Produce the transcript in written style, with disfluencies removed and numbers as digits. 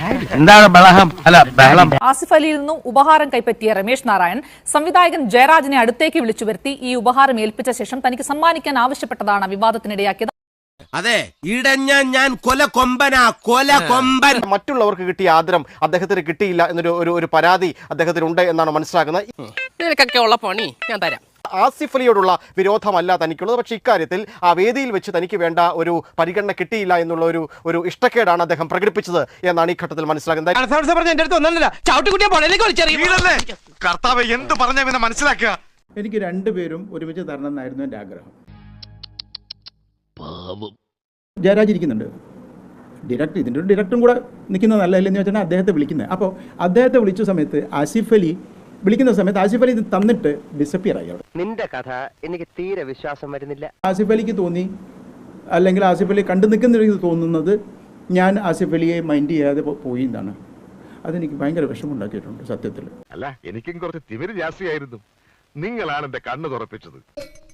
എന്താണ് ബഹളം? അല്ല ബഹളം. ആസിഫ് അലിയിൽ നിന്നും ഉപഹാരം കൈപ്പറ്റിയ രമേശ് നാരായൺ സംവിധായകൻ ജയരാജിനെ അടുത്തേക്ക് വിളിച്ചു വരുത്തി ഈ ഉപഹാരം ഏൽപ്പിച്ച ശേഷം തനിക്ക് സമ്മാനിക്കാൻ ആവശ്യപ്പെട്ടതാണ് വിവാദത്തിനിടയാക്കിയത്. അതെ, ഇടഞ്ഞ ഞാൻ കൊലകൊമ്പനാ, കൊലകൊമ്പൻ. മറ്റുള്ളവർക്ക് കിട്ടിയ ആദരം അദ്ദേഹത്തിന് കിട്ടിയില്ല എന്നൊരു ഒരു പരാതി അദ്ദേഹത്തിനുണ്ട് എന്നാണ് മനസ്സിലാക്കുന്നത്. നിനക്കൊക്കെ ഉള്ള പണി ഞാൻ തരാം. ആസിഫ് അലിയോടുള്ള വിരോധമല്ല തനിക്കുള്ളത്, പക്ഷേ ഇക്കാര്യത്തിൽ ആ വേദിയിൽ വെച്ച് തനിക്ക് വേണ്ട ഒരു പരിഗണന കിട്ടിയില്ല എന്നുള്ള ഒരു ഇഷ്ടക്കേടാണ് അദ്ദേഹം പ്രകടിപ്പിച്ചത് എന്നാണ് ഈ ഘട്ടത്തിൽ മനസ്സിലാക്കുന്നത്. കർത്താവ് എന്ത് പറഞ്ഞ മനസ്സിലാക്കുക. എനിക്ക് രണ്ടുപേരും ഒരുമിച്ച് തരണം എന്നായിരുന്നു എൻ്റെ ആഗ്രഹം. ജയരാജ് ഇരിക്കുന്നുണ്ട്, ഇതിൻ്റെ ഒരു ഡയറക്ടറും കൂടെ നിൽക്കുന്നത് നല്ലതല്ലെന്ന് വെച്ചാൽ അദ്ദേഹത്തെ വിളിക്കുന്നത്. അപ്പോൾ അദ്ദേഹത്തെ വിളിച്ച സമയത്ത് ആസിഫ് അലി വിളിക്കുന്ന സമയത്ത് ആസിഫ് അലി ഇത് തന്നിട്ട് ഡിസപ്പിയർ ആയി. അവിടെ നിന്റെ കഥ എനിക്ക് തീരെ വിശ്വാസം വരുന്നില്ല. ആസിഫ് അലിക്ക് തോന്നി, അല്ലെങ്കിൽ ആസിഫ് അലി കണ്ടു നിൽക്കുന്ന തോന്നുന്നത് ഞാൻ ആസിഫ് അലിയെ മൈൻഡ് ചെയ്യാതെ പോയി എന്നാണ്. അതെനിക്ക് ഭയങ്കര വിഷമമുണ്ടാക്കിയിട്ടുണ്ട് സത്യത്തിൽ. അല്ല, എനിക്കും കുറച്ച് തിമിര് ജാസ്തിയായിരുന്നു. നിങ്ങളാണ് എന്റെ കണ്ണ് തുറപ്പിച്ചത്.